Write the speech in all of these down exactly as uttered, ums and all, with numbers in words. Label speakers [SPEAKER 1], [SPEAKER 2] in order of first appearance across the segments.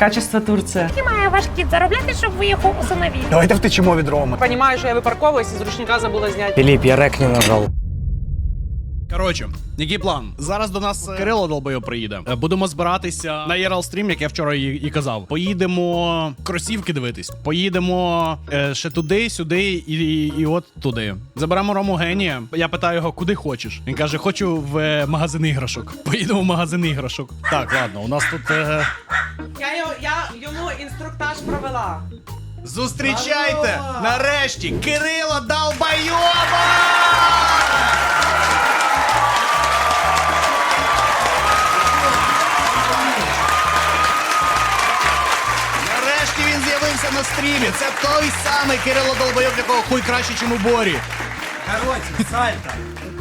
[SPEAKER 1] Качество Турція.
[SPEAKER 2] І має ваш кіт заробляти, щоб ви його усиновили.
[SPEAKER 3] Давайте втечемо від Роми.
[SPEAKER 1] Понімаю, що я випарковуюсь, з ручника забула зняти.
[SPEAKER 4] Філіп, я рек не нажав.
[SPEAKER 5] Коротше, який план? Зараз до нас Кирило Долбойов приїде. Будемо збиратися на єр ел стрім, як я вчора і, і казав. Поїдемо кросівки дивитись. Поїдемо е, ще туди, сюди і, і, і от туди. Заберемо Рому Генія. Я питаю його, куди хочеш. Він каже, хочу в е, магазин іграшок. Поїдемо в магазин іграшок. Так, ладно, у нас тут... Е...
[SPEAKER 1] Я, його- я йому інструктаж провела.
[SPEAKER 5] Зустрічайте! Нарешті Кирило Долбойова! Нарешті він з'явився на стрімі. Це той самий Кирило Долбойов, якого хуй краще, чим у Борі.
[SPEAKER 4] Короче, сальто.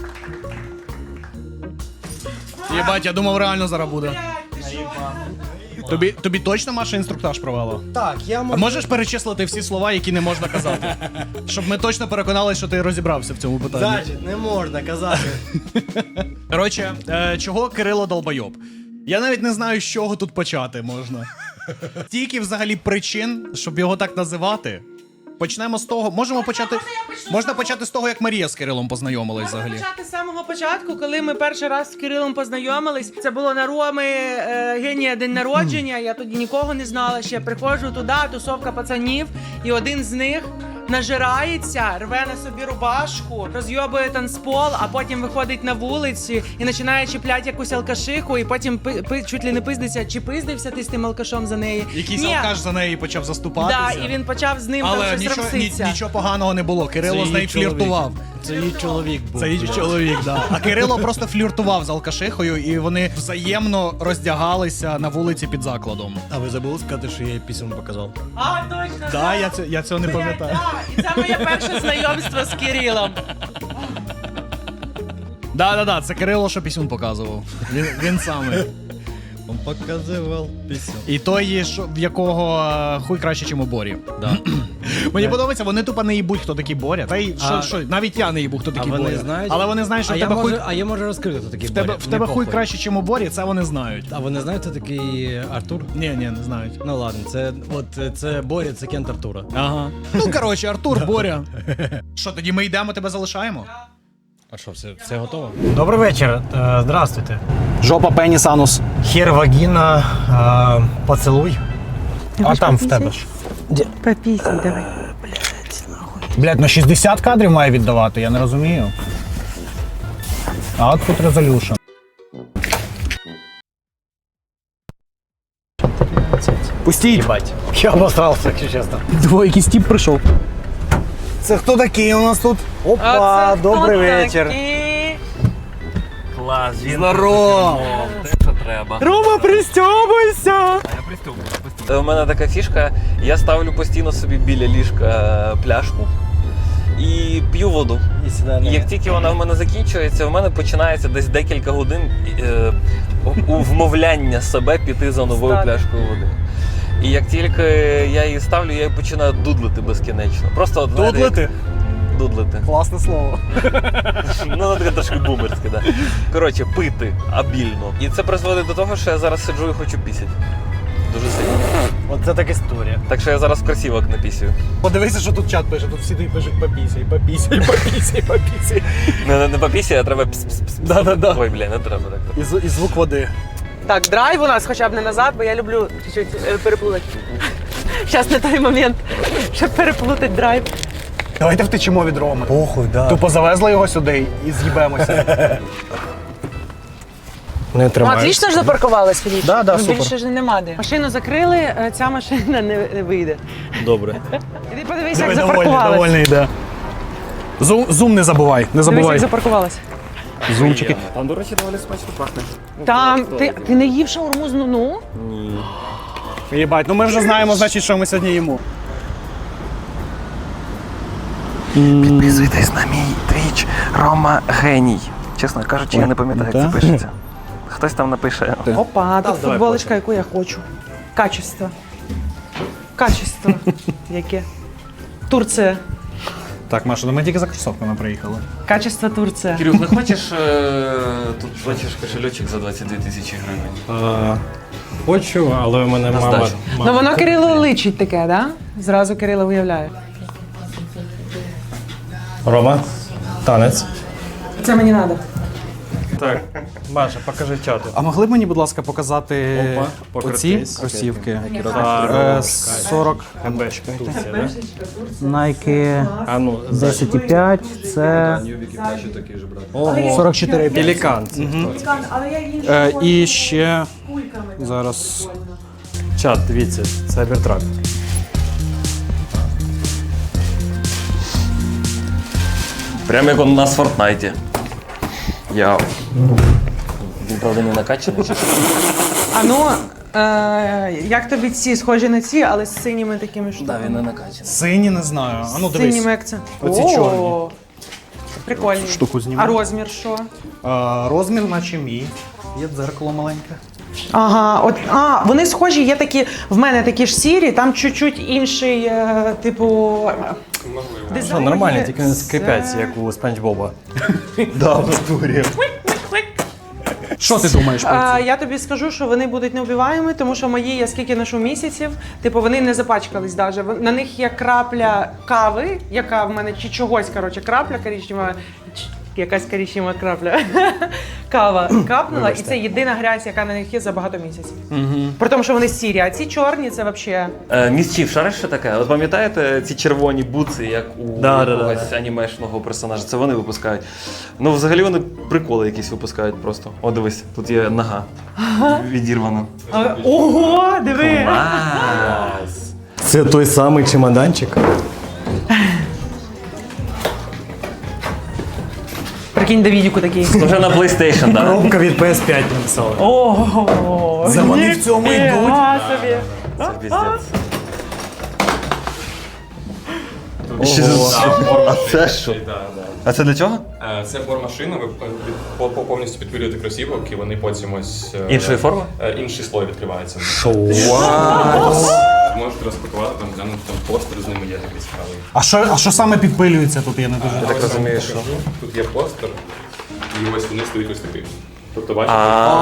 [SPEAKER 5] Єбать, я думав, реально зараз буде. Тобі, тобі точно Маша інструктаж провела?
[SPEAKER 4] Так, я
[SPEAKER 5] А
[SPEAKER 4] можу...
[SPEAKER 5] можеш перечислити всі слова, які не можна казати? Щоб ми точно переконалися, що ти розібрався в цьому питанні.
[SPEAKER 4] Значить, не можна казати.
[SPEAKER 5] Коротше, е, чого Кирило Долбойоб? Я навіть не знаю, з чого тут почати можна. Тільки взагалі причин, щоб його так називати. Почнемо з того. Можемо почати. Можна почати з того, як Марія з Кирилом познайомилась взагалі.
[SPEAKER 1] Можна почати з самого початку, коли ми перший раз з Кирилом познайомились. Це було на Роми е, Генія день народження. Я тоді нікого не знала. Ще приходжу туди, тусовка пацанів, і один з них нажирається, рве на собі рубашку, розйобує танцпол, а потім виходить на вулиці і починає чіпляти якусь алкашиху, і потім пи, пи, чуть ли не пиздиться, чи пиздився ти з тим алкашом за неї.
[SPEAKER 5] Якийсь
[SPEAKER 1] Ні.
[SPEAKER 5] алкаш за неї почав заступатися.
[SPEAKER 1] Да, і він почав з ним там
[SPEAKER 5] Але
[SPEAKER 1] щось
[SPEAKER 5] нічого, ні,
[SPEAKER 1] ромситься.
[SPEAKER 5] нічого поганого не було. Кирило з нею фліртував.
[SPEAKER 4] Це її чоловік був.
[SPEAKER 5] Це її чоловік, да. А Кирило просто фліртував з алкашихою, і вони взаємно роздягалися на вулиці під закладом.
[SPEAKER 4] А ви забули сказати, що я їй пісень показав?
[SPEAKER 1] А, точно.
[SPEAKER 5] Да, я, це, я цього не пам'ятаю.
[SPEAKER 1] Да, і це моє перше знайомство з Кирилом.
[SPEAKER 5] Да-да-да, це Кирило, що пісюн показував. Він, він самий.
[SPEAKER 4] Він показував пісень.
[SPEAKER 5] І той, що, в якого е, хуй краще, чим у Борі.
[SPEAKER 4] Да.
[SPEAKER 5] Мені подобається, вони тупо не їбуть, хто такий Боря. Та й що,
[SPEAKER 4] А-
[SPEAKER 5] що, навіть я не їбу, хто
[SPEAKER 4] А
[SPEAKER 5] такий
[SPEAKER 4] вони
[SPEAKER 5] Боря.
[SPEAKER 4] знають?
[SPEAKER 5] Але вони знають, що
[SPEAKER 4] а
[SPEAKER 5] в
[SPEAKER 4] я
[SPEAKER 5] тебе
[SPEAKER 4] можу,
[SPEAKER 5] хуй...
[SPEAKER 4] А я можу розкрити, хто такий
[SPEAKER 5] В тебе,
[SPEAKER 4] Боря.
[SPEAKER 5] в тебе
[SPEAKER 4] Не
[SPEAKER 5] хуй
[SPEAKER 4] похуй.
[SPEAKER 5] краще, чим у Борі, це вони знають.
[SPEAKER 4] А вони знають, хто такий Артур?
[SPEAKER 5] Ні, ні, не знають.
[SPEAKER 4] Ну ладно, це от це Боря, це Кент Артура.
[SPEAKER 5] Ага. Ну, коротше, Артур, Боря. Що, тоді ми йдемо, тебе залишаємо?
[SPEAKER 4] А що, все, все готово?
[SPEAKER 6] Добрый вечер. Э, Здравствуйте.
[SPEAKER 5] Жопа, пеніс, анус.
[SPEAKER 6] Хер, вагина, э, поцелуй. А там в тебе ж.
[SPEAKER 1] Попісій, давай.
[SPEAKER 3] Блядь, на шістдесят кадрів має віддавати, я не розумію. Output resolution.
[SPEAKER 6] Пустіть. Ебать. Я обосрался, якщо чесно.
[SPEAKER 5] Двоє, якийсь тип прийшов.
[SPEAKER 3] Це хто такий у нас тут?
[SPEAKER 6] Опа, добрий вечір.
[SPEAKER 7] Клас, він
[SPEAKER 5] Здорово!
[SPEAKER 7] те, що треба.
[SPEAKER 6] Рома, пристьобуйся!
[SPEAKER 7] У мене така фішка, я ставлю постійно собі біля ліжка пляшку і п'ю воду.
[SPEAKER 4] І сюди
[SPEAKER 7] І як тільки вона в мене закінчується, в мене починається десь декілька годин е, у- у вмовляння себе піти за новою
[SPEAKER 1] Встати.
[SPEAKER 7] пляшкою води. І як тільки я її ставлю, я її починаю дудлити безкінечно. Просто от, знаєте,
[SPEAKER 5] Дудлити?
[SPEAKER 7] як- Дудлити.
[SPEAKER 5] Класне слово.
[SPEAKER 7] Ну, воно таке трошки бумерське, да. Коротше, пити обільно. І це призводить до того, що я зараз сиджу і хочу пісять. Дуже сильно.
[SPEAKER 6] Оце так історія.
[SPEAKER 7] Так що я зараз кросівок напісюю.
[SPEAKER 5] Подивися, що тут чат пише, тут всі пишуть попісяй, попісяй, попісяй, попісяй.
[SPEAKER 7] Не, не, не попісяй, а треба пс-пс-пс.
[SPEAKER 5] Да-да-да.
[SPEAKER 7] Ой, бля, не треба так.
[SPEAKER 5] І, зв- і звук води.
[SPEAKER 1] Так, драйв у нас хоча б не назад, бо я люблю чуть-чуть е, переплутати. Зараз не той момент, щоб переплутати драйв.
[SPEAKER 3] Давайте втечемо від Роми.
[SPEAKER 6] Похуй, да.
[SPEAKER 3] Тупо завезли його сюди і з'їбемося.
[SPEAKER 6] Не
[SPEAKER 1] Ну,
[SPEAKER 6] тримаєш.
[SPEAKER 1] отлично ж запаркувалась, Філіп.
[SPEAKER 3] Да, да,
[SPEAKER 1] Ну,
[SPEAKER 3] супер.
[SPEAKER 1] більше ж нема де. Машину закрили, е, ця машина не, не вийде.
[SPEAKER 4] Добре.
[SPEAKER 1] Іди подивися, як
[SPEAKER 5] Довольний,
[SPEAKER 1] запаркувалась.
[SPEAKER 5] довольний йде. Зум, зум не забувай, не
[SPEAKER 1] Дивись,
[SPEAKER 5] забувай.
[SPEAKER 1] як запаркувалась.
[SPEAKER 5] Зумчики.
[SPEAKER 7] Там, до речі, доволі смачно пахне.
[SPEAKER 1] Там, ти, ти не їв шаурму з ну?
[SPEAKER 7] Ні.
[SPEAKER 5] Єбать, ну ми вже знаємо, значить, що ми сьогодні їмо.
[SPEAKER 7] Підписуйтесь на мій твіч Рома Геній. Чесно кажучи, я не пам'ятаю, як це пишеться. Хтось там напише.
[SPEAKER 1] Опа, тут футболочка, яку я хочу. Качество. Качество. Яке? Турція.
[SPEAKER 3] Так, Маша, ну ми тільки за кросовками приїхали.
[SPEAKER 1] Качество Турція.
[SPEAKER 7] Кирюх, не хочеш е, тут бачиш кошельочок за двадцять дві тисячі гривень?
[SPEAKER 4] А, хочу, але у мене
[SPEAKER 7] На
[SPEAKER 4] мама.
[SPEAKER 7] здачу.
[SPEAKER 1] Ну воно Кирилу личить таке, да? Зразу Кирило виявляє.
[SPEAKER 4] Рома, танець.
[SPEAKER 1] Це мені треба.
[SPEAKER 4] Так, Маша, покажи чату.
[SPEAKER 5] А могли б мені, будь ласка, показати
[SPEAKER 4] Опа,
[SPEAKER 5] оці
[SPEAKER 4] покрутись.
[SPEAKER 5] кросівки?
[SPEAKER 4] Здорово.
[SPEAKER 5] Е, сорок.
[SPEAKER 4] ГБшка. Турція, да?
[SPEAKER 3] Nike
[SPEAKER 4] А ну,
[SPEAKER 3] десять і п'ять, це сорок чотири.
[SPEAKER 4] Пелікан.
[SPEAKER 1] Але я іншу
[SPEAKER 5] Е, і ще зараз.
[SPEAKER 4] Чат, дивіться, Cybertruck.
[SPEAKER 7] Прямо як у нас в Фортнайті. Я. Він, правда, не накачаний чи що?
[SPEAKER 1] А ну, е, як тобі ці схожі на ці, але з синіми такими штуками?
[SPEAKER 7] Так, він не накачаний.
[SPEAKER 5] Сині, не знаю. А ну
[SPEAKER 1] З
[SPEAKER 5] дивись.
[SPEAKER 1] синіми як це?
[SPEAKER 5] Оці
[SPEAKER 1] О,
[SPEAKER 5] чорні.
[SPEAKER 1] Прикольні.
[SPEAKER 5] Штуку зніму.
[SPEAKER 1] А розмір що?
[SPEAKER 5] Е, розмір, наче мій. Є дзеркало маленьке.
[SPEAKER 1] Ага, от а вони схожі, є такі, в мене такі ж сірі, там чуть-чуть інший, е, типу. Можливо.
[SPEAKER 4] Що, нормально, тільки не скрипять, як у Спанч Боба.
[SPEAKER 5] Да, в натурі. Що ти думаєш про
[SPEAKER 1] А,
[SPEAKER 5] це?
[SPEAKER 1] я тобі скажу, що вони будуть неубиваємі, тому що мої, я скільки ношу місяців, типу вони не запачкались даже. Вон- На них є крапля кави, яка в мене чи чогось, коротше, крапля коричнева, ч- якась коричнева крапля. Кава капнула, і це єдина грязь, яка на них є за багато місяців. При тому, що вони сірі, а ці чорні це взагалі.
[SPEAKER 7] Е, Місчів, шариш що таке? От пам'ятаєте ці червоні буци, як у
[SPEAKER 4] Да, да,
[SPEAKER 7] якогось анімешного персонажа? Це вони випускають. Ну, взагалі вони приколи якісь випускають просто. О, дивись, тут є нога. Відірвана.
[SPEAKER 1] А, ого, диви!
[SPEAKER 7] Клас!
[SPEAKER 4] Це той самий чемоданчик.
[SPEAKER 1] Прикинь, Давідіку такий.
[SPEAKER 7] Вже на PlayStation, так?
[SPEAKER 3] Коробка від пі ес п'ять написала.
[SPEAKER 1] Ого!
[SPEAKER 3] За вони в цьому йдуть.
[SPEAKER 1] Ніфіга собі.
[SPEAKER 7] Це піздець. А це що? А це для чого?
[SPEAKER 8] Е, Це бормашина, ви по- по- повністю підпилюєте кросівок і вони потім ось... е,
[SPEAKER 7] Іншої форми?
[SPEAKER 8] е, Інший слой відкривається.
[SPEAKER 7] Вау!
[SPEAKER 8] Можете розпакувати, там глянути, там постер з ними є такий цікавий.
[SPEAKER 5] А що, а що саме підпилюється тут? Я не дуже.
[SPEAKER 7] Я так розумію, що.
[SPEAKER 8] Тут є постер, і ось вони стоять ось такий. Тобто, бачите,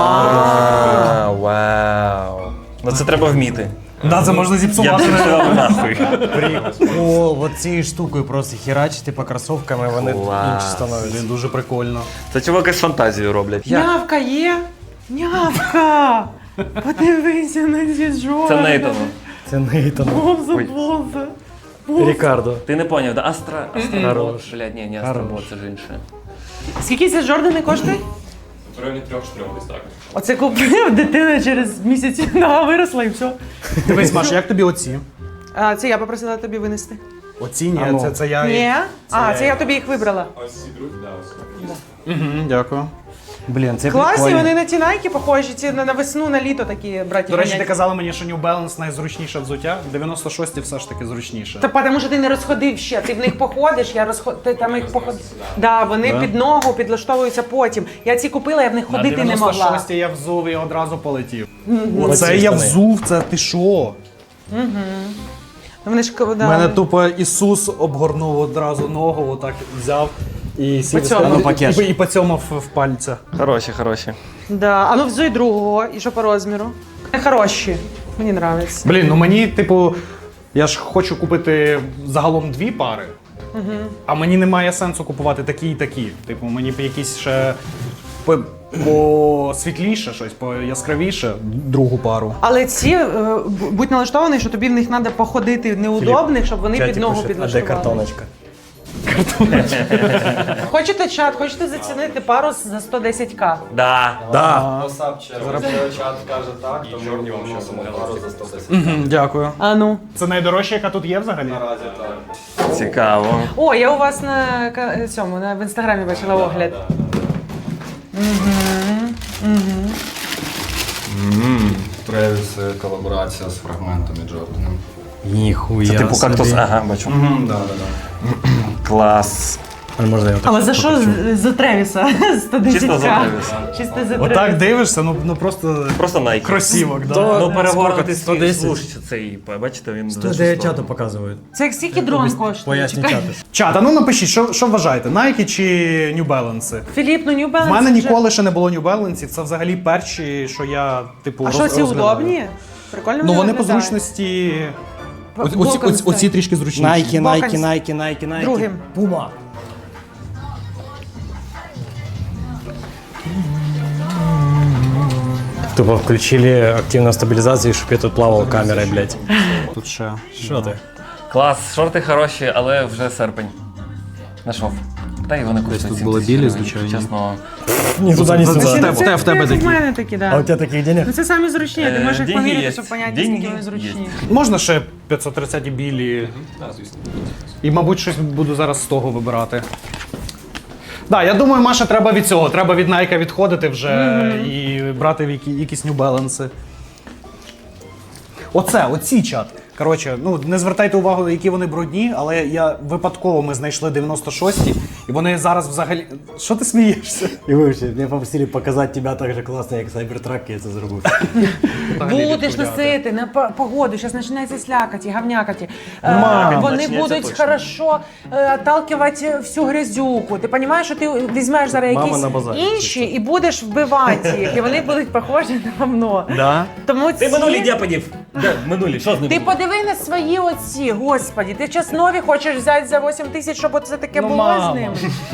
[SPEAKER 7] А, вау. Ну це треба вміти.
[SPEAKER 5] Да, це можна
[SPEAKER 7] Я б
[SPEAKER 5] зіпсувати.
[SPEAKER 7] зіпсував нахуй.
[SPEAKER 3] О, от цією штукою просто херачити по кросовками, вони
[SPEAKER 7] Клас.
[SPEAKER 3] інші становляться.
[SPEAKER 5] Блін, дуже прикольно.
[SPEAKER 7] Це чуваки з фантазією роблять.
[SPEAKER 1] Нявка є? Нявка! Подивися на ці жовті.
[SPEAKER 7] Це Нейтану.
[SPEAKER 4] Це Нейтан.
[SPEAKER 1] Боже,
[SPEAKER 7] Ой.
[SPEAKER 1] боже.
[SPEAKER 4] Рікардо.
[SPEAKER 7] Ти не поняв, да? Астра... Астробот.
[SPEAKER 4] Хорош.
[SPEAKER 7] Блядь, ні, не Астробот, це ж інше.
[SPEAKER 1] Скільки ці Жордани коштують?
[SPEAKER 8] в районі трьох-чотирьох десь так.
[SPEAKER 1] Оце купив дитина через місяць, нога виросла і все.
[SPEAKER 5] Дивись, Маш, як тобі оці?
[SPEAKER 1] А, це я попросила тобі винести.
[SPEAKER 5] Оці, ні,
[SPEAKER 3] А ну.
[SPEAKER 5] це, це я.
[SPEAKER 1] Ні? А, це я тобі їх вибрала.
[SPEAKER 8] Ось ці друзі, да, ось.
[SPEAKER 5] Угу, дякую.
[SPEAKER 3] Блін, це
[SPEAKER 1] Класні,
[SPEAKER 3] прикольно.
[SPEAKER 1] вони на ті найки похожі, ці на, на весну, на літо такі браті.
[SPEAKER 5] До речі, ти
[SPEAKER 1] ганять.
[SPEAKER 5] казала мені, що New Balance найзручніше взуття. дев'яносто шості все ж таки зручніше.
[SPEAKER 1] Та тому що ти не розходив ще, ти в них походиш, я розход... ти там їх походиш. Да, вони під ногу підлаштовуються потім. Я ці купила, я в них ходити не могла.
[SPEAKER 5] дев'яносто шості я взув і одразу полетів.
[SPEAKER 4] Оці
[SPEAKER 5] Оце я
[SPEAKER 4] штани.
[SPEAKER 5] взув, це ти що?
[SPEAKER 1] Вони ж да.
[SPEAKER 5] У мене тупо Ісус обгорнув одразу ногу, отак взяв і сів
[SPEAKER 1] Поцьомав.
[SPEAKER 5] і, пакет. І, і поцьомав в пальцях.
[SPEAKER 7] Хороші, хороші.
[SPEAKER 1] Да. А ну взуй другого, і що по розміру? Хороші, мені подобається.
[SPEAKER 5] Блін, ну мені, типу, я ж хочу купити загалом дві пари, а мені немає сенсу купувати такі і такі. Типу, мені б якісь ще по, по світліше щось, по яскравіше другу пару.
[SPEAKER 1] Але ці, е, б- будь налаштований, що тобі в них треба походити неудобних, щоб вони під ногу
[SPEAKER 4] А де
[SPEAKER 1] підлаштували.
[SPEAKER 4] картоночка?
[SPEAKER 1] Хочете чат, хочете зацінити пару за сто десять ка?
[SPEAKER 7] Да.
[SPEAKER 5] Да.
[SPEAKER 8] І чорні вам ще замовляли.
[SPEAKER 5] Мгм, дякую.
[SPEAKER 1] А ну.
[SPEAKER 5] Це найдорожча, яка тут є взагалі?
[SPEAKER 7] Цікаво.
[SPEAKER 1] О, я у вас на ка- цьому, на, в інстаграмі бачила огляд.
[SPEAKER 9] Тревіс колаборація з фрагментами Джорданом.
[SPEAKER 4] Ніхуя
[SPEAKER 7] Це типу
[SPEAKER 4] собі.
[SPEAKER 7] кактус. Ага, бачу.
[SPEAKER 9] Да, да, да.
[SPEAKER 7] Клас.
[SPEAKER 4] А можна його так?
[SPEAKER 1] Але за що з- за Тревіса? сто десять
[SPEAKER 7] Чисто за
[SPEAKER 1] ка.
[SPEAKER 7] Тревіса.
[SPEAKER 1] Чисто за
[SPEAKER 3] Отак
[SPEAKER 1] Тревіса.
[SPEAKER 3] дивишся, ну, ну просто
[SPEAKER 7] Просто Nike.
[SPEAKER 3] кросівок, да.
[SPEAKER 4] То-
[SPEAKER 7] Ну, перегорнутий
[SPEAKER 4] сто десять.
[SPEAKER 7] слуш цей, бачите, він
[SPEAKER 4] сто дев'ять чату показують.
[SPEAKER 1] Це як скільки дрон коштує?
[SPEAKER 4] Поясню
[SPEAKER 1] Чекай.
[SPEAKER 4] чату.
[SPEAKER 3] Чат, а ну напишіть, що, що вважаєте, Nike чи New Balance?
[SPEAKER 1] Філіп, ну New Balance
[SPEAKER 3] У мене
[SPEAKER 1] вже-
[SPEAKER 3] ніколи ще не було New Balance, це взагалі перші, що я, типу,
[SPEAKER 1] А
[SPEAKER 3] роз-
[SPEAKER 1] що, ці
[SPEAKER 3] розглядаю.
[SPEAKER 1] удобні? Прикольно
[SPEAKER 3] Ну вони по
[SPEAKER 1] виглядають.
[SPEAKER 3] зручності.
[SPEAKER 1] Бо-
[SPEAKER 3] Оці,
[SPEAKER 1] боком
[SPEAKER 3] оці, оці,
[SPEAKER 1] стоять.
[SPEAKER 3] оці трішки зручніші.
[SPEAKER 4] Найки,
[SPEAKER 1] Боком
[SPEAKER 4] найки,
[SPEAKER 1] з-
[SPEAKER 4] найки, найки, найки.
[SPEAKER 1] Другим.
[SPEAKER 4] Пума. Тупо включили активную стабилизацию, чтобы я тут плавал камерой, блядь.
[SPEAKER 3] Тут ще.
[SPEAKER 4] Що ти?
[SPEAKER 7] Клас, шорти хороші, але вже серпень. Нашов. Та й вони коштують
[SPEAKER 3] тут були
[SPEAKER 7] сімдесят
[SPEAKER 3] білі,
[SPEAKER 7] гривень,
[SPEAKER 3] звичайні.
[SPEAKER 7] Чесно.
[SPEAKER 4] Ні туди, ні
[SPEAKER 1] Це,
[SPEAKER 4] сюди.
[SPEAKER 3] в тебе-
[SPEAKER 1] це,
[SPEAKER 3] в тебе
[SPEAKER 1] це
[SPEAKER 3] такі.
[SPEAKER 1] в мене такі,
[SPEAKER 4] А
[SPEAKER 1] да.
[SPEAKER 4] у тебе таких денег?
[SPEAKER 1] Ну це самі зручні, ти
[SPEAKER 7] Е,
[SPEAKER 1] можеш їх
[SPEAKER 7] деньги
[SPEAKER 1] поміряти,
[SPEAKER 7] є.
[SPEAKER 1] щоб поняти,
[SPEAKER 7] Деньги
[SPEAKER 1] скільки вони
[SPEAKER 7] є.
[SPEAKER 1] зручні.
[SPEAKER 3] Можна ще п'ятсот тридцять білі. І, мабуть, щось буду зараз з того вибирати. Да, я думаю, Маша, треба від цього. Треба від Nike відходити вже і брати в які, якісь New Balance. Оце, оці чат. Коротше, ну не звертайте увагу, які вони брудні, але я випадково ми знайшли дев'яносто шості, і вони зараз взагалі. Що ти смієшся?
[SPEAKER 4] І вивчи, мене попросили показати тебе так же класно, як Cybertruck, я це зробив.
[SPEAKER 1] Будеш носити на по- погоду, зараз починається слякаті, гавнякаті. Е,
[SPEAKER 3] Мам,
[SPEAKER 1] Вони
[SPEAKER 7] почнеться
[SPEAKER 1] будуть
[SPEAKER 7] точно.
[SPEAKER 1] хорошо е, отталкивати всю грязюку. Ти розумієш, що ти візьмеш зараз
[SPEAKER 4] Мама
[SPEAKER 1] якісь
[SPEAKER 4] на базарі,
[SPEAKER 1] інші і будеш вбивати їх, і вони будуть похожі на говно.
[SPEAKER 3] Да?
[SPEAKER 1] Тому
[SPEAKER 7] Ти
[SPEAKER 1] ці...
[SPEAKER 7] минулі дяпадів. Де минулі? Що з ними?
[SPEAKER 1] Ти подиви на свої оці, господі. Ти час нові хочеш взяти за вісім тисяч, щоб це таке
[SPEAKER 3] Ну,
[SPEAKER 1] було
[SPEAKER 3] мама.
[SPEAKER 1] з ними?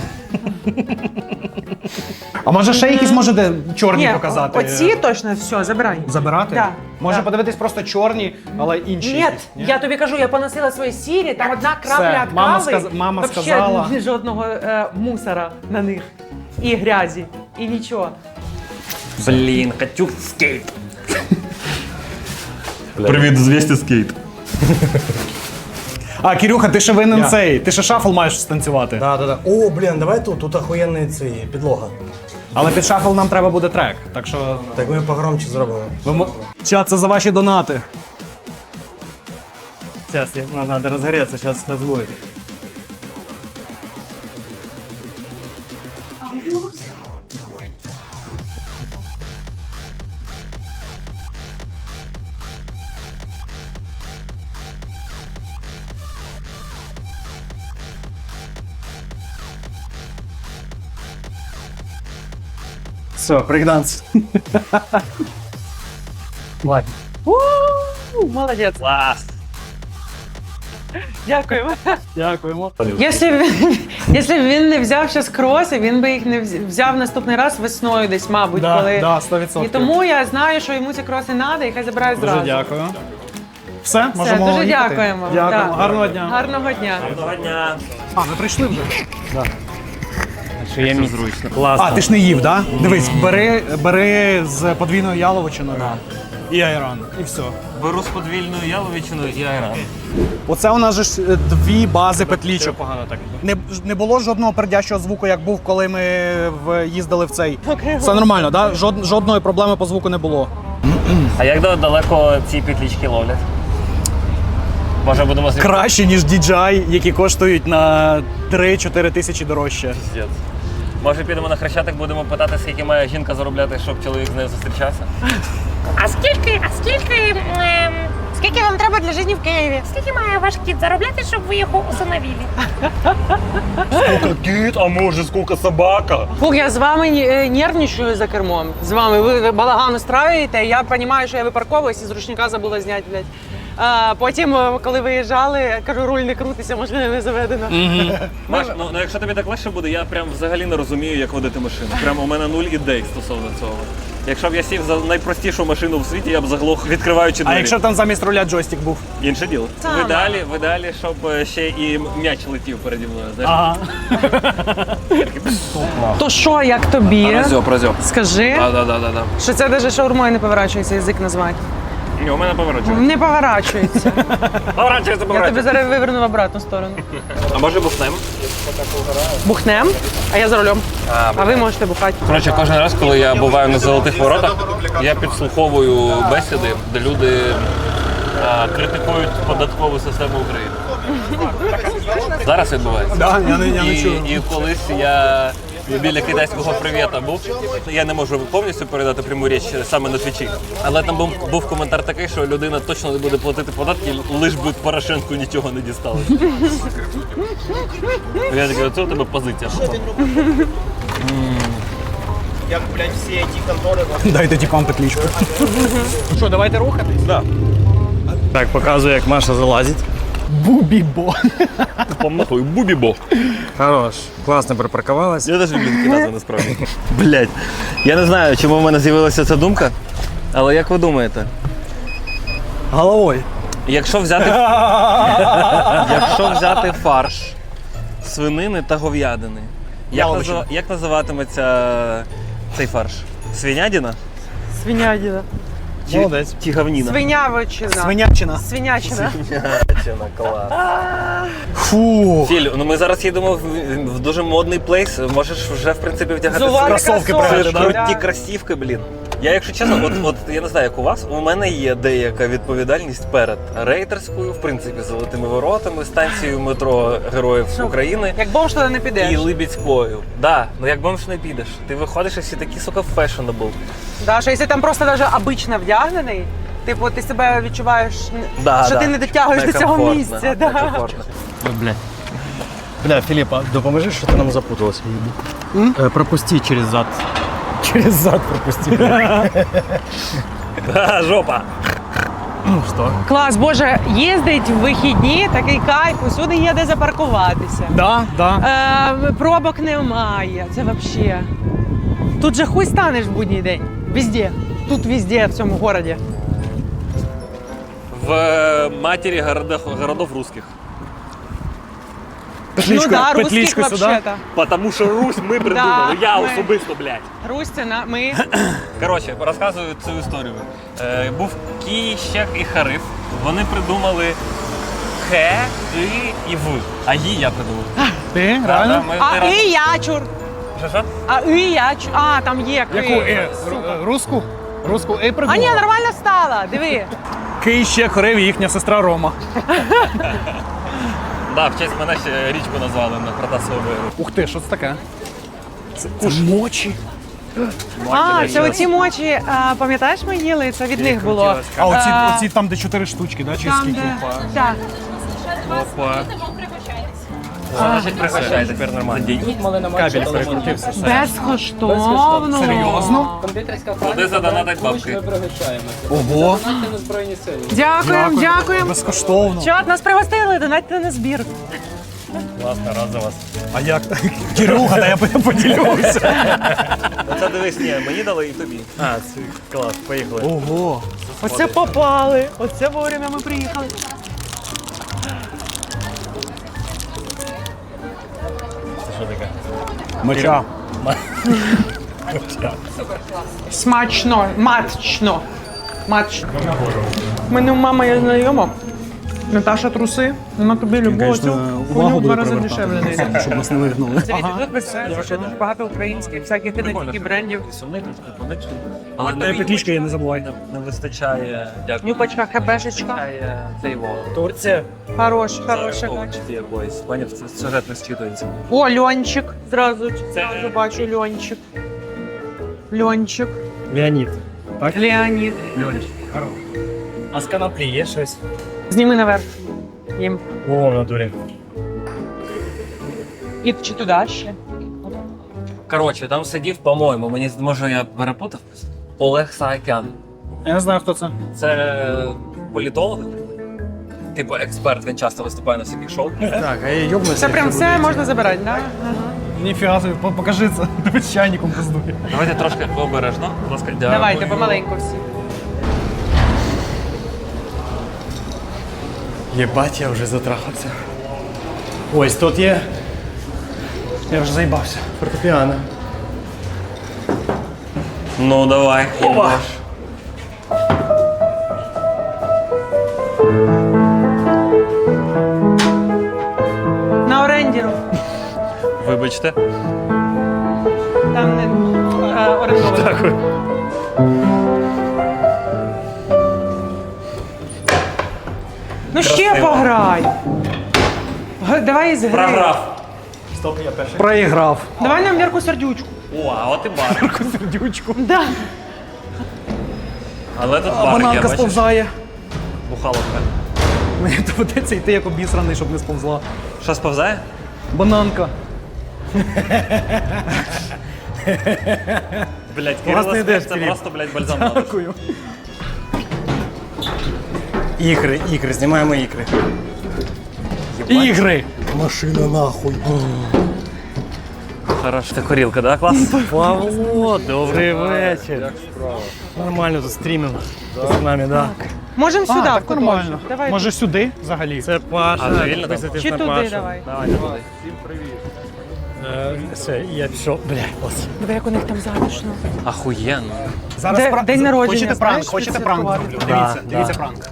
[SPEAKER 3] А може ще якісь можете чорні
[SPEAKER 1] Ні,
[SPEAKER 3] показати?
[SPEAKER 1] оці точно все, забирай.
[SPEAKER 3] Забирати?
[SPEAKER 1] Да,
[SPEAKER 3] Може
[SPEAKER 1] да.
[SPEAKER 3] подивитись просто чорні, але інші.
[SPEAKER 1] Ні,
[SPEAKER 3] якісь, ні?
[SPEAKER 1] я тобі кажу, я поносила свої сірі, там одна крапля
[SPEAKER 3] Все,
[SPEAKER 1] від
[SPEAKER 3] мама
[SPEAKER 1] кави,
[SPEAKER 3] сказ- мама
[SPEAKER 1] вообще
[SPEAKER 3] сказала.
[SPEAKER 1] жодного е, мусора на них. І грязі, і нічого.
[SPEAKER 7] Блін, хочу скейт.
[SPEAKER 9] Привіт, звісті скейт.
[SPEAKER 3] А, Кирюха, ти ще винен
[SPEAKER 4] Я.
[SPEAKER 3] цей. Ти ще шафл маєш станцювати.
[SPEAKER 4] Да, да, да. О, блін, давай тут, тут охуєнний цей підлога.
[SPEAKER 3] Але під шафл нам треба буде трек. Так що.
[SPEAKER 4] Так ми погромче зробимо.
[SPEAKER 3] Ви мо- Чат, це за ваші донати.
[SPEAKER 4] Зараз, нам треба розгореться, зараз нас буде.
[SPEAKER 3] Все, брейкданс.
[SPEAKER 4] Ладно.
[SPEAKER 1] У, молодець.
[SPEAKER 7] Клас.
[SPEAKER 1] Дякуємо.
[SPEAKER 3] Дякуємо.
[SPEAKER 1] Якщо б він, якщо б він не взяв ще кроси, він би їх не вз- взяв наступний раз весною десь, мабуть,
[SPEAKER 3] Да,
[SPEAKER 1] коли.
[SPEAKER 3] да, сто відсотків.
[SPEAKER 1] І тому я знаю, що йому ці кроси треба, і хай забирає
[SPEAKER 3] Дуже
[SPEAKER 1] зразу.
[SPEAKER 3] дякую. Все,
[SPEAKER 1] Все,
[SPEAKER 3] можемо
[SPEAKER 1] дуже
[SPEAKER 3] їхати?
[SPEAKER 1] дякуємо.
[SPEAKER 3] Дякуємо.
[SPEAKER 1] Да.
[SPEAKER 3] Гарного дня.
[SPEAKER 1] Гарного дня.
[SPEAKER 7] Доброго дня.
[SPEAKER 3] А, ви прийшли вже?
[SPEAKER 7] Що є мій зручно.
[SPEAKER 3] А, ти ж не їв, так? Да? Дивись, бери, бери з подвійною яловичиною і айран. І все.
[SPEAKER 7] Беру з подвільною яловичиною і айран.
[SPEAKER 3] Оце у нас же ж е, дві бази петлічок. Погано так. Не, не було жодного пердящого звуку, як був, коли ми в, їздили в цей. Все нормально, так? Да? Жод, жодної проблеми по звуку не було.
[SPEAKER 7] А як да- далеко ці петлічки ловлять? Може будемо з ним
[SPEAKER 3] Краще, ніж ді джей ай, які коштують на три-чотири тисячі дорожче.
[SPEAKER 7] пиздець. Може підемо на Хрещатик, будемо питати, скільки має жінка заробляти, щоб чоловік з нею зустрічався?
[SPEAKER 2] А скільки, а скільки, ем,
[SPEAKER 1] Скільки вам треба для життя в Києві?
[SPEAKER 2] скільки має ваш кіт заробляти, щоб ви його усиновили?
[SPEAKER 9] Скільки кіт, а може скільки собака?
[SPEAKER 1] Фух, я з вами е, нервничаю за кермом. З вами ви, ви балаган устраиваєте, я розумію, що я випарковуюсь і з ручника забула зняти, блядь. А, потім, е, коли виїжджали, кажу, руль не крутиться, можливо, не заведено.
[SPEAKER 7] Маш, ну, ну якщо тобі так легше буде, я прям взагалі не розумію, як водити машину. Прямо у мене нуль ідей стосовно цього. Якщо б я сів за найпростішу машину в світі, я б заглох, відкриваючи двері.
[SPEAKER 3] А якщо там замість руля джойстик був?
[SPEAKER 7] Інше діло.
[SPEAKER 1] Саме.
[SPEAKER 7] В ідеалі, в ідеалі, щоб е, ще і м'яч летів переді мною. Знаєш?
[SPEAKER 3] Ага.
[SPEAKER 1] То що, як тобі?
[SPEAKER 7] Прозьо, прозьо.
[SPEAKER 1] Скажи,
[SPEAKER 7] Да, да, да, да, да.
[SPEAKER 1] що це навіть шаурмою не поворачується язик назвати.
[SPEAKER 7] Ні, у мене поворачується.
[SPEAKER 1] Не поворачується.
[SPEAKER 7] Поворачується,
[SPEAKER 1] Я тобі
[SPEAKER 7] поворачується.
[SPEAKER 1] зараз виверну в обратну сторону.
[SPEAKER 7] А може бухнем?
[SPEAKER 1] Бухнем, а я за рулем. А ви можете бухати.
[SPEAKER 7] Коротше, кожен раз, коли я буваю на золотих воротах, я підслуховую бесіди, де люди а, критикують податкову систему України. Зараз відбувається.
[SPEAKER 3] Да, я не, я не
[SPEAKER 7] І,
[SPEAKER 3] чую.
[SPEAKER 7] і колись я біля китайського привіта був. Я не можу повністю передати пряму річ саме на твічі. Але там був, був коментар такий, що людина точно не буде платити податки, лиш би Порошенку нічого не дістали. Я такий, оце у тебе позиція.
[SPEAKER 6] Як, блядь, всі ті контори.
[SPEAKER 3] Дайте тіпам петлічку. Ну що, давайте рухатись?
[SPEAKER 7] Да.
[SPEAKER 4] Так, показую, як Маша залазить.
[SPEAKER 3] Бубібо.
[SPEAKER 7] Помахуй, бубібо.
[SPEAKER 4] Хорош. Класно припаркувалась.
[SPEAKER 7] Я теж люблю такі назви насправді. Блять, я не знаю, чому в мене з'явилася ця думка, але як ви думаєте,
[SPEAKER 3] Головою.
[SPEAKER 7] якщо взяти, якщо взяти фарш свинини та говядини, як,
[SPEAKER 3] Яловичина.
[SPEAKER 7] назва- як називатиметься цей фарш? Свинядіна?
[SPEAKER 1] Свинядіна.
[SPEAKER 7] Чи,
[SPEAKER 3] Молодець.
[SPEAKER 7] чи говніна?
[SPEAKER 1] Свинявичина.
[SPEAKER 3] Свинячина.
[SPEAKER 1] Свинячина.
[SPEAKER 7] Свинячина, клас.
[SPEAKER 3] Фу.
[SPEAKER 7] Філь, ну ми зараз їдемо в, в дуже модний плейс, можеш вже в принципі вдягати
[SPEAKER 1] Зували
[SPEAKER 3] кросовки
[SPEAKER 7] Це
[SPEAKER 3] прямо,
[SPEAKER 7] ж
[SPEAKER 3] да?
[SPEAKER 7] круті кросівки, блін. Я, якщо чесно, от, от я не знаю, як у вас, у мене є деяка відповідальність перед рейтерською, в принципі, золотими воротами, станцією метро Героїв України
[SPEAKER 1] Як бомж туди не підеш.
[SPEAKER 7] і Либідською. Да, ну як бомж не підеш. Ти виходиш і всі такі, сука, фешенебл.
[SPEAKER 1] Да, що якщо там просто навіть обично вдягнений, типу ти себе відчуваєш,
[SPEAKER 7] Да,
[SPEAKER 1] що
[SPEAKER 7] да.
[SPEAKER 1] ти не дотягуєш до цього
[SPEAKER 7] Некомфортно,
[SPEAKER 1] місця. Да.
[SPEAKER 7] некомфортно.
[SPEAKER 4] Бля, Філіпа, допоможи, що ти нам запуталась. Е, пропусти через зад. Через зад пропусти.
[SPEAKER 7] Да, жопа.
[SPEAKER 4] Ну що?
[SPEAKER 1] Клас, боже, їздить в вихідні, такий кайф, усюди є де запаркуватися.
[SPEAKER 3] Да, да.
[SPEAKER 1] Е, пробок немає, це взагалі. Тут же хуй станеш в будній день. Везде. Тут везде, в цьому городі.
[SPEAKER 7] В е, матері городов, городов русских.
[SPEAKER 3] Петлічку,
[SPEAKER 1] ну да, русських
[SPEAKER 3] петлічку сюди.
[SPEAKER 1] вообще-то.
[SPEAKER 7] Потому що Русь ми придумали,
[SPEAKER 1] Да,
[SPEAKER 7] я
[SPEAKER 1] ми.
[SPEAKER 7] особисто, блядь.
[SPEAKER 1] Русь це на ми.
[SPEAKER 7] Коротше, розказую цю історію. Е, був Кіщак і Хариф. Вони придумали Хе, І і В. А Ї я придумав.
[SPEAKER 3] Ти,
[SPEAKER 7] Да,
[SPEAKER 3] реально?
[SPEAKER 7] ми
[SPEAKER 1] А
[SPEAKER 7] не раз-
[SPEAKER 1] і ячур.
[SPEAKER 7] Що, що?
[SPEAKER 1] А і ячур. А, там є ки.
[SPEAKER 3] Яку е? Ру- Руску? Руску е
[SPEAKER 1] А
[SPEAKER 3] придумала?
[SPEAKER 1] ні, нормально стала. Диви.
[SPEAKER 3] Кий ще хорив їхня сестра Рома.
[SPEAKER 7] Да, в честь мене ще річку назвали на Протасову.
[SPEAKER 3] Ух ти, що це таке? Це мочі.
[SPEAKER 1] А, це оці мочі, а, пам'ятаєш, ми їли? Це від них було.
[SPEAKER 3] А оці,
[SPEAKER 1] А,
[SPEAKER 3] оці там, де чотири штучки, да? Чи
[SPEAKER 1] Там,
[SPEAKER 3] скільки?
[SPEAKER 1] де... Так.
[SPEAKER 7] Опа. Значить, пригощай, тепер нормально.
[SPEAKER 4] Кабель перекрутився.
[SPEAKER 1] Безкоштовно.
[SPEAKER 3] Серйозно?
[SPEAKER 7] Куди задонатить бабки?
[SPEAKER 3] Ого.
[SPEAKER 1] Дякуємо, дякуємо.
[SPEAKER 3] Безкоштовно.
[SPEAKER 1] Чат, нас пригостили, донатьте на збір.
[SPEAKER 7] Класно, рад за вас.
[SPEAKER 3] А як? Кирюха, та я поділюся.
[SPEAKER 7] Оце дивись, ні, мені дали і тобі.
[SPEAKER 4] А, це клас, поїхали.
[SPEAKER 3] Ого.
[SPEAKER 1] Оце попали. Оце вовремя ми приїхали.
[SPEAKER 7] Це що таке?
[SPEAKER 3] Моча.
[SPEAKER 1] Смачно, матчно. Матчно. У мене у мами є знайома. Наташа труси, вона тобі любов цю хуйню в два рази дешевле не йде.
[SPEAKER 3] Щоб нас не вигнали.
[SPEAKER 1] Це тут представляєш, що дуже багато українських, всяких не тільки брендів.
[SPEAKER 7] Але
[SPEAKER 3] Та й петлічка є, не забувай.
[SPEAKER 7] не вистачає, дякую.
[SPEAKER 1] Нюпачка, хебешечка.
[SPEAKER 7] Вистачає цей вол.
[SPEAKER 4] Турція.
[SPEAKER 1] Хорош, хороша.
[SPEAKER 7] Овочі якоїсь. Пані, це сюжет не зчитується.
[SPEAKER 1] О, Льончик. Зразу, зразу бачу Льончик. Льончик.
[SPEAKER 4] Леонід.
[SPEAKER 1] Леонід.
[SPEAKER 4] А з канаплі є щось?
[SPEAKER 1] Зніми наверх. Їм.
[SPEAKER 4] О, в натурі.
[SPEAKER 1] І чи туди ще?
[SPEAKER 7] Коротше, там сидів, по-моєму, мені може я перепутав. Олег Саакян.
[SPEAKER 3] Я не знаю, хто це.
[SPEAKER 7] Це політолог. Типу експерт, він часто виступає на всяких шоу.
[SPEAKER 4] Так, а я йобнуся.
[SPEAKER 1] Це прям все можна забирати, так?
[SPEAKER 3] Ніфіга собі, по- покажи це. Дивись, чайником пиздує.
[SPEAKER 7] Давайте трошки обережно. Будь ласка, дякую.
[SPEAKER 1] Давайте, помаленьку всі.
[SPEAKER 4] Єбать, я вже затрахався. Ось тут є
[SPEAKER 3] Я вже заїбався.
[SPEAKER 4] фортепіано.
[SPEAKER 7] Ну давай. Опа.
[SPEAKER 1] На орендіру.
[SPEAKER 7] Вибачте.
[SPEAKER 1] Там не е, орендовано.
[SPEAKER 4] Дякую.
[SPEAKER 1] Ну ще
[SPEAKER 7] Красиво.
[SPEAKER 1] пограй. Г- Давай із гри.
[SPEAKER 7] Програв.
[SPEAKER 3] Проіграв.
[SPEAKER 1] Давай нам Вірку Сердючку.
[SPEAKER 7] О, а от і бар.
[SPEAKER 3] Сердючку.
[SPEAKER 1] Да.
[SPEAKER 7] Але тут бар є,
[SPEAKER 3] Бананка
[SPEAKER 7] бачиш?
[SPEAKER 3] сповзає.
[SPEAKER 7] Бухаловка.
[SPEAKER 3] Мені доведеться йти як обісраний, щоб не сповзла.
[SPEAKER 7] Що сповзає?
[SPEAKER 3] Бананка.
[SPEAKER 7] Блять,
[SPEAKER 3] Класний
[SPEAKER 7] Кирило
[SPEAKER 3] ідея,
[SPEAKER 7] Сміх, це
[SPEAKER 3] Філіп.
[SPEAKER 7] просто, блядь, бальзам на душу.
[SPEAKER 3] Дякую.
[SPEAKER 4] Ікри, ікри, знімаємо ікри.
[SPEAKER 3] Ігри.
[SPEAKER 4] Машина нахуй.
[SPEAKER 7] Хорош. Це горілка, да? Клас?
[SPEAKER 4] Павло, добрий вечір. Нормально тут стрімінг з нами, да.
[SPEAKER 1] Можемо сюди.
[SPEAKER 3] Так,
[SPEAKER 1] в куточок.
[SPEAKER 3] нормально.
[SPEAKER 1] Давай.
[SPEAKER 3] Може сюди взагалі?
[SPEAKER 4] Це Паша.
[SPEAKER 7] А, це вільно там?
[SPEAKER 4] Підписуйтесь
[SPEAKER 1] Чи
[SPEAKER 4] на
[SPEAKER 1] туди
[SPEAKER 4] Пашу.
[SPEAKER 1] давай.
[SPEAKER 7] Давай, туди.
[SPEAKER 4] Е, Все, я пішов. Бля, ось.
[SPEAKER 1] Диви, як у них там затишно.
[SPEAKER 7] Ахуєнно.
[SPEAKER 3] Зараз
[SPEAKER 1] Де-
[SPEAKER 3] пра-
[SPEAKER 1] день народження,
[SPEAKER 3] Хочете
[SPEAKER 1] знаєш,
[SPEAKER 3] пранк? Хочете пранк
[SPEAKER 1] відсвяткувати?
[SPEAKER 3] зроблю?
[SPEAKER 4] Да,
[SPEAKER 3] Дивіться,
[SPEAKER 4] да.
[SPEAKER 3] дивіться пранк.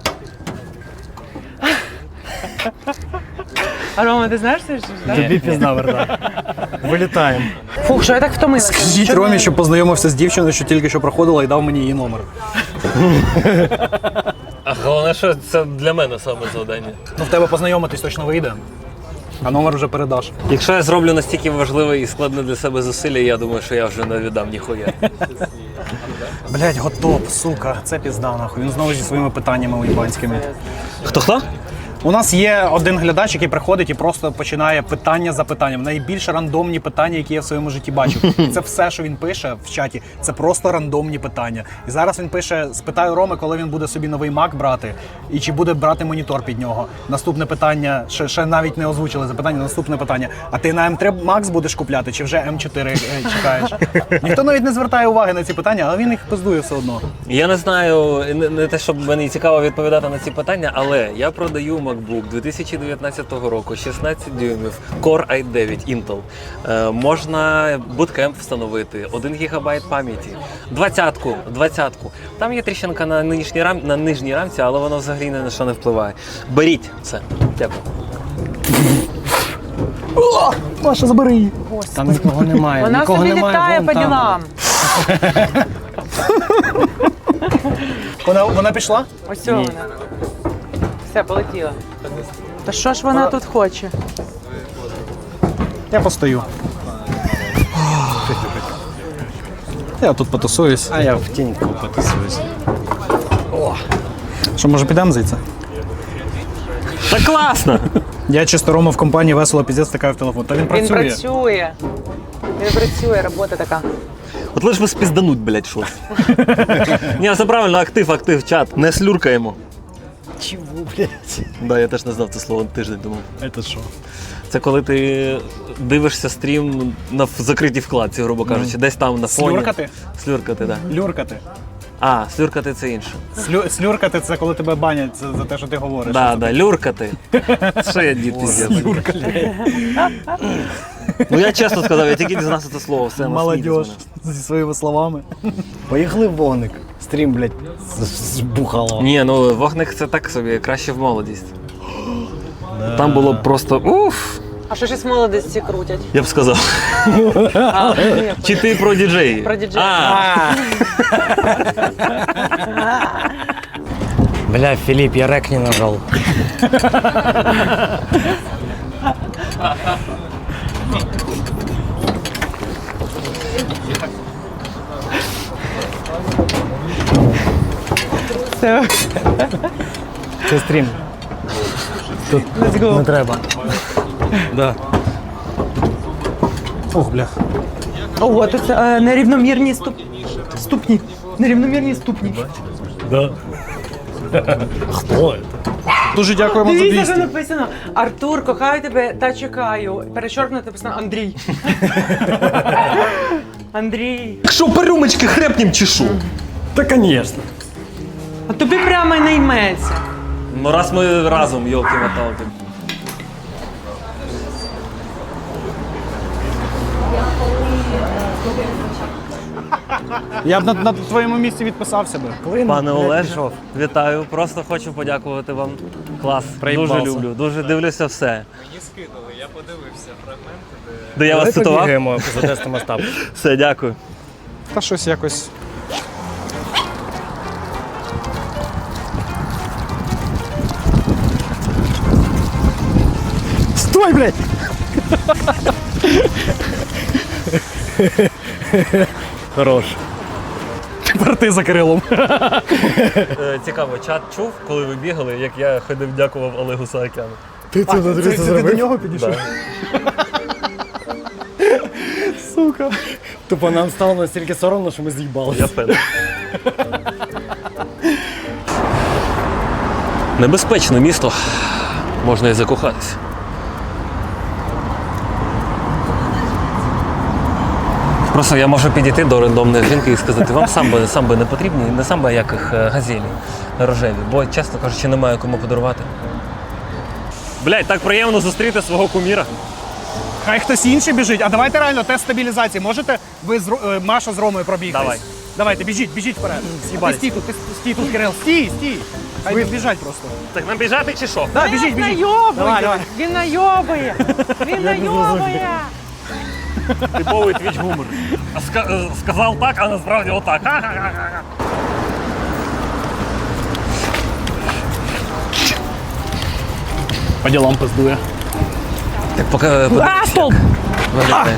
[SPEAKER 1] А Рома, ти знаєш це? ж, да?
[SPEAKER 4] Тобі пізна верта. Вилітаємо.
[SPEAKER 1] Фух, що я так втомилася.
[SPEAKER 3] Скажіть Ромі, що познайомився з дівчиною, що тільки що проходила і дав мені її номер.
[SPEAKER 7] А головне, що це для мене саме завдання.
[SPEAKER 3] Ну в тебе познайомитись точно вийде. А номер вже передаш.
[SPEAKER 7] Якщо я зроблю настільки важливе і складне для себе зусилля, я думаю, що я вже не віддам ніхуя.
[SPEAKER 3] Блять, готов, сука, це пізда нахуй. Він знову зі своїми питаннями уїбанськими.
[SPEAKER 7] Хто-хто?
[SPEAKER 3] У нас є один глядач, який приходить і просто починає питання за питанням. Найбільш рандомні питання, які я в своєму житті бачив. І це все, що він пише в чаті, це просто рандомні питання. І зараз він пише: спитаю Роми, коли він буде собі новий Mac брати, і чи буде брати монітор під нього. Наступне питання, ще, ще навіть не озвучили запитання, наступне питання. А ти на ем три Max будеш купляти, чи вже ем чотири е, чекаєш? Ніхто навіть не звертає уваги на ці питання, але він їх пиздує все одно.
[SPEAKER 7] Я не знаю, не, не те, щоб мені цікаво відповідати на ці питання, але я продаю MacBook дві тисячі дев'ятнадцятого року, шістнадцять дюймів, Core ай дев'ять Intel. Е, можна Bootcamp встановити, один гігабайт пам'яті, двадцятку, двадцятку. Там є тріщинка на нижній, рам, на нижній рамці, але воно взагалі ні на що не впливає. Беріть це. Дякую.
[SPEAKER 3] Маша, забери її.
[SPEAKER 4] Там нікого немає.
[SPEAKER 1] Вона
[SPEAKER 4] нікого
[SPEAKER 1] собі
[SPEAKER 4] немає,
[SPEAKER 1] літає
[SPEAKER 4] вон
[SPEAKER 1] по
[SPEAKER 4] там.
[SPEAKER 1] ділам.
[SPEAKER 3] Вона, вона пішла?
[SPEAKER 1] Ось вона. Все, полетіла. Та що ж вона тут хоче?
[SPEAKER 3] Я постою. Я тут потусуюсь.
[SPEAKER 4] А я в тіньку потусуюсь.
[SPEAKER 3] Що, може підемо звідси?
[SPEAKER 7] Та класно!
[SPEAKER 3] Я чисто Рома в компанії весело піздець стикаю в телефон. Та він
[SPEAKER 1] Він
[SPEAKER 3] працює.
[SPEAKER 1] працює. Він працює, робота така.
[SPEAKER 7] От лиш би спіздануть, блядь, щось. Ні, все правильно, актив, актив, чат. Не слюркаємо.
[SPEAKER 4] Чого, блядь?
[SPEAKER 7] Да, я теж не знав це слово тиждень думав.
[SPEAKER 4] Це що?
[SPEAKER 7] Це коли ти дивишся стрім на в закритій вкладці, грубо кажучи, десь там на фоні.
[SPEAKER 3] Слюркати?
[SPEAKER 7] Слюркати, так. Да.
[SPEAKER 3] Люркати.
[SPEAKER 7] А, слюркати це інше.
[SPEAKER 3] Слю... Слюркати це коли тебе банять за, за те, що ти говориш.
[SPEAKER 7] Да, да, люркати. Що я дід піздець. Ну я чесно сказав, я тільки дізнався це слово, все,
[SPEAKER 3] Молодіж зі своїми словами.
[SPEAKER 4] Поїхали в вогник. Стрім, блядь, збухало.
[SPEAKER 7] Ні, ну вогник це так собі, краще в молодість. Там було просто уф,
[SPEAKER 1] А що ж із молодості крутять?
[SPEAKER 7] я б сказав.
[SPEAKER 1] А, ні,
[SPEAKER 7] Чи ти про діджеї?
[SPEAKER 1] Про діджеї.
[SPEAKER 7] А,
[SPEAKER 4] Бля, Филипп, я рек не нажал.
[SPEAKER 1] все.
[SPEAKER 4] Це стрім. Тут не треба. Да.
[SPEAKER 3] Ох, бля.
[SPEAKER 1] Ого, тут е, нерівномірні ступ... ступні. Нерівномірні ступні.
[SPEAKER 4] Да. Хто це?
[SPEAKER 3] Дуже дякуємо за
[SPEAKER 1] Дивіться, що
[SPEAKER 3] двісті.
[SPEAKER 1] написано. Артур, кохаю тебе та чекаю. Перечоркнуто написано Андрій. Андрій.
[SPEAKER 7] що по рюмочки хрепнім чи що?
[SPEAKER 4] Та, конечно.
[SPEAKER 1] А тобі прямо й не йметься.
[SPEAKER 7] Ну раз ми разом, йолки-моталки.
[SPEAKER 3] Я б на, на твоєму місці відписався би.
[SPEAKER 7] Пане Олеже, вітаю. Просто хочу подякувати вам. Клас.
[SPEAKER 4] Проїбався.
[SPEAKER 7] Дуже люблю, дуже дивлюся все. Мені скинули, я подивився фрагменти, де. Де я вас цитував?
[SPEAKER 4] Побігаємо, затестимо став.
[SPEAKER 7] Все, дякую.
[SPEAKER 3] Та щось якось.
[SPEAKER 7] Сто
[SPEAKER 4] Давай, блядь! Хорош.
[SPEAKER 3] Тепер ти за Кирилом.
[SPEAKER 7] Е, Цікаво, чат чув, коли ви бігали, як я ходив, дякував Олегу Саакяну.
[SPEAKER 4] Ти це, це, це, це ти до нього підійшов?
[SPEAKER 7] Да.
[SPEAKER 4] Сука. Тупо нам стало настільки соромно, що ми з'їбалися.
[SPEAKER 7] Я впевнений. Небезпечне місто. Можна і закохатися. Просто я можу підійти до рандомної жінки і сказати, вам самби, самби не потрібні, не самби, а як їх газелі рожеві, бо, чесно кажучи, немає кому подарувати. Блядь, так приємно зустріти свого куміра.
[SPEAKER 3] Хай хтось інший біжить. А давайте реально тест стабілізації. Можете ви з Ро- е, Маша з Ромою пробігтись?
[SPEAKER 7] Давай.
[SPEAKER 3] Давайте, біжіть, біжіть вперед. А ти стій тут, ти стій тут, Кирил. Стій, стій. Хай ви біжать просто.
[SPEAKER 7] Так нам біжати чи що?
[SPEAKER 3] Да, біжіть,
[SPEAKER 1] Він
[SPEAKER 3] біжіть.
[SPEAKER 1] найобує!
[SPEAKER 3] Давай, давай.
[SPEAKER 1] Він найобує! Він найобує!
[SPEAKER 7] Типовий твіч гумор. А ска- сказав так, а насправді отак. Ха-ха-ха-ха.
[SPEAKER 3] По ділам пиздує.
[SPEAKER 7] Так поки
[SPEAKER 1] А, столб!
[SPEAKER 7] виглядає.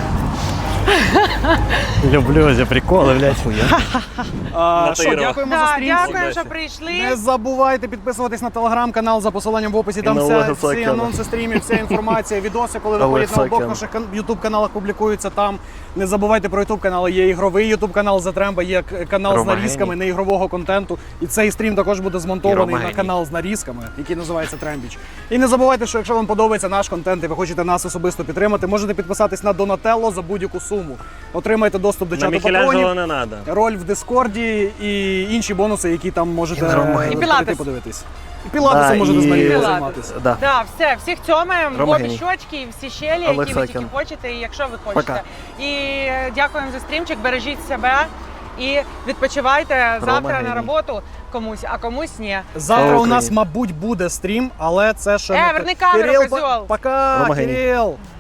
[SPEAKER 4] Люблю ці приколи, блядь.
[SPEAKER 3] А,
[SPEAKER 7] На
[SPEAKER 3] що,
[SPEAKER 7] Таїрова.
[SPEAKER 3] дякуємо за
[SPEAKER 1] Да,
[SPEAKER 3] стрім.
[SPEAKER 1] дякую,
[SPEAKER 7] Удачі.
[SPEAKER 1] що прийшли.
[SPEAKER 3] Не забувайте підписуватись на телеграм-канал за посиланням в описі. Там
[SPEAKER 4] на
[SPEAKER 3] вся,
[SPEAKER 4] Олега
[SPEAKER 3] всі
[SPEAKER 4] Саакяна.
[SPEAKER 3] анонси стрімів, вся інформація, відоси, коли
[SPEAKER 4] Олег
[SPEAKER 3] виходять на обох
[SPEAKER 4] Саакян.
[SPEAKER 3] наших кан- ютуб-каналах, публікуються там. Не забувайте про ютуб-канал. Є ігровий ютуб-канал Затремба, є к- канал
[SPEAKER 4] Рома
[SPEAKER 3] з нарізками неігрового контенту. І цей стрім також буде змонтований
[SPEAKER 4] Рома
[SPEAKER 3] на
[SPEAKER 4] геній.
[SPEAKER 3] канал з нарізками, який називається Трембіч. І не забувайте, що якщо вам подобається наш контент і ви хочете нас особисто підтримати, можете підписатись на Донателло за будь-яку суму. Отримайте доступ до
[SPEAKER 7] На
[SPEAKER 3] чату
[SPEAKER 7] Мікеланджело
[SPEAKER 3] патронів,
[SPEAKER 7] не треба.
[SPEAKER 3] роль в Дискорді і інші бонуси, які там можете
[SPEAKER 4] Рома
[SPEAKER 3] е,
[SPEAKER 4] геній.
[SPEAKER 1] І
[SPEAKER 3] прийти
[SPEAKER 1] Пілатес.
[SPEAKER 3] подивитись. І пілатесом
[SPEAKER 4] Да,
[SPEAKER 3] можете
[SPEAKER 4] і-
[SPEAKER 3] з Марією
[SPEAKER 1] Пілатес.
[SPEAKER 3] займатися.
[SPEAKER 4] Да.
[SPEAKER 1] Да, все, всіх цьомаємо, в
[SPEAKER 4] Рома
[SPEAKER 1] обі
[SPEAKER 4] геній.
[SPEAKER 1] щочки, і всі щелі,
[SPEAKER 4] Олег
[SPEAKER 1] які ви тільки
[SPEAKER 4] Саакян.
[SPEAKER 1] хочете, і якщо ви хочете.
[SPEAKER 4] Пока.
[SPEAKER 1] І е, дякуємо за стрімчик, бережіть себе і відпочивайте завтра
[SPEAKER 4] геній.
[SPEAKER 1] на роботу комусь, а комусь ні.
[SPEAKER 3] Завтра
[SPEAKER 4] Слава
[SPEAKER 3] у нас,
[SPEAKER 4] Україні.
[SPEAKER 3] мабуть, буде стрім, але це ще
[SPEAKER 1] Е,
[SPEAKER 3] не
[SPEAKER 1] верни
[SPEAKER 3] те.
[SPEAKER 1] камеру,
[SPEAKER 3] Кирил,
[SPEAKER 1] козьол.
[SPEAKER 3] Пока,
[SPEAKER 4] Рома геній.
[SPEAKER 3] Кирил!